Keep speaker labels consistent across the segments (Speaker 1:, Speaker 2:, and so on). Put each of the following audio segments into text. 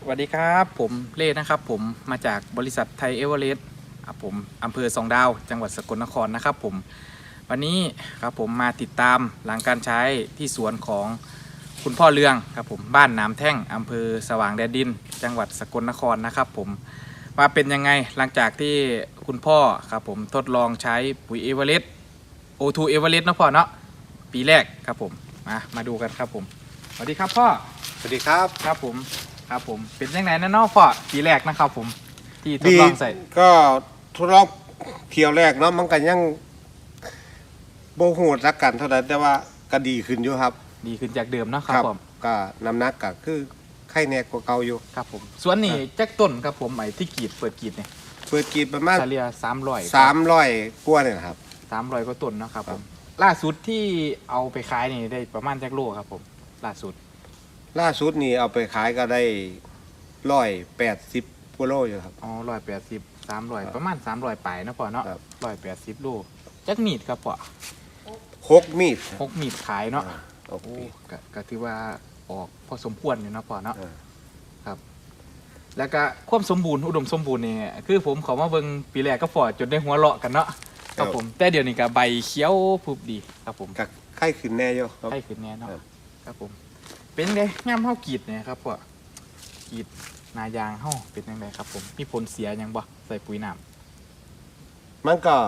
Speaker 1: สวัสดีครับผมเล่นะครับผมมาจากบริษัทไทยเอเวอเรสต์ผมอำเภอสองดาวจังหวัดสกลนครนะครับผมวันนี้ครับผมมาติดตามหลังการใช้ที่สวนของคุณพ่อเลืองครับผมบ้านน้ำแท่งอำเภอสว่างแดนดินจังหวัดสกลนครนะครับผมว่าเป็นยังไงหลังจากที่คุณพ่อครับผมทดลองใช้ปุ๋ยเอเวอเรสต์O2 เอเวอเรสต์นะพ่อเนาะปีแรกครับผมมาดูกันครับผมสวัสดีครับพ่อ
Speaker 2: สวัสดีครับ
Speaker 1: ครับผมเป็นยังไงนะเนาะพ่อปีแรกนะครับผมที่ทดลองใส่
Speaker 2: ก็ทดลองเที่ยวแรกเนาะมันก็ยังโบหูสักกันเท่านั้นแต่ว่าก็ดีขึ้นอยู่ครับ
Speaker 1: ดีขึ้นจากเดิมเนาะครับผม
Speaker 2: ก็น้ำหนักก็คือไข้แน่กว่าเก่าอยู่
Speaker 1: ครับผมส่วนนี้แจ็คต้นครับผมไอ้ที่เปิดกรีดเนี่ย
Speaker 2: เปิดกรีดประมาณ
Speaker 1: เฉลี่ย300
Speaker 2: กว่าเนี่ยครับ
Speaker 1: 300กว่าต้นนะครับผมล่าสุดที่เอาไปขายนี่ได้ประมาณจักโลครับผมล่าสุด
Speaker 2: นี่เอาไปขายก็ได้180 กิโลอยู่ครับ
Speaker 1: อ๋อ180 300ประมาณ300ปลายนะพ่อเนาะ180โลจักมีดครับพ่อ
Speaker 2: 6 มีด
Speaker 1: 6มีดขายเนาะ
Speaker 2: โอ้
Speaker 1: ก็ถือว่าออกพอสมควรอยู่นะพ่อเนาะครับแล้วก็ความสมบูรณ์อุดมสมบูรณ์นี่คือผมขอมาเบิ่งปีแรกก็พอจนได้หัวเราะกันเนาะครับผมแต่เดี๋ยวนี้ก็ใบเขียวพุบดีครับผม
Speaker 2: ก็ไข้ขึ้นแน่อยู่
Speaker 1: ไข้ขึ้นแน่เนาะครับผมเป็นไงงามเฮากรีดเนี่ยครับพ่อกรีดนายางเฮาเป็นยังไงครับผมมีผลเสียยังบ่ใส่ปุ๋ยน้
Speaker 2: ำมันก็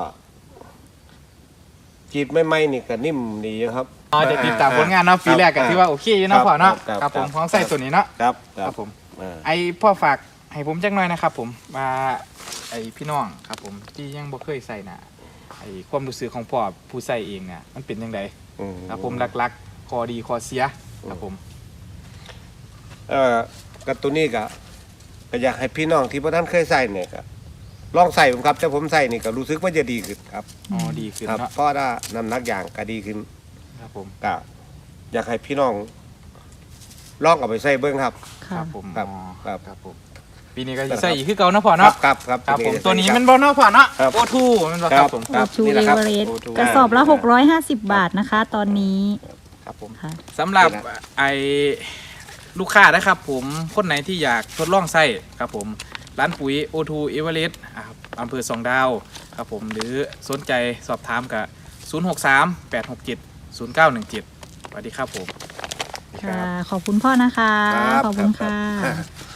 Speaker 2: กรีดไม่นี่ก็นิ่มดีครับ
Speaker 1: จะติดตามผลงานเนาะปีแรกก็ที่ว่าโอเคอยู่เนาะพ่อเนาะครับผมของใส่ตัวนี้เนาะครับผมไอพ่อฝากให้ผมจักหน่อยนะครับผมมาไอพี่น้องครับผมที่ยังบ่เคยใส่น่ะไอความรู้สึกของพ่อผู้ใส่เองเนี่ยมันเป็นยังไงครับผมหลักๆข้อดีข้อเสียครับผม
Speaker 2: กับตัวนี้ก็อยากให้พี่น้องที่พวกท่านเคยใส่เนี่ยก็ลองใส่ผมครับแต่ผมใส่นี่ก็รู้สึกว่าจะดีขึ้นครับ
Speaker 1: อ๋อดีขึ้น
Speaker 2: ครับเพราะว่าน้ำหนักอย่างก็ดีขึ้น
Speaker 1: ครับผม
Speaker 2: ก็อยากให้พี่น้องลองเอาไปใส่เบิ้งครับ
Speaker 1: ครับผม
Speaker 2: ครับ
Speaker 1: ผมปีนี้ก็จะใส่อีกคือเก่านะพ่อเนาะ
Speaker 2: ครับ
Speaker 1: ผมตัวนี้มันบอลเนาะพ่อเนาะO2มันบ่ครับผม
Speaker 3: O2 เอเวอเรสต์กระสอบละ650 บาทนะคะตอนนี้
Speaker 1: ครับผมสำหรับไอลูกค้านะครับผมคนไหนที่อยากทดลองใส่ครับผมร้านปุ๋ย O2 เอเวอเรสต์อำเภอสองดาวครับผมหรือสนใจสอบถามกับ063-867-0917สวัสดีครับผม
Speaker 3: ค่ะขอบคุณพ่อนะคะขอบคุณค่ะ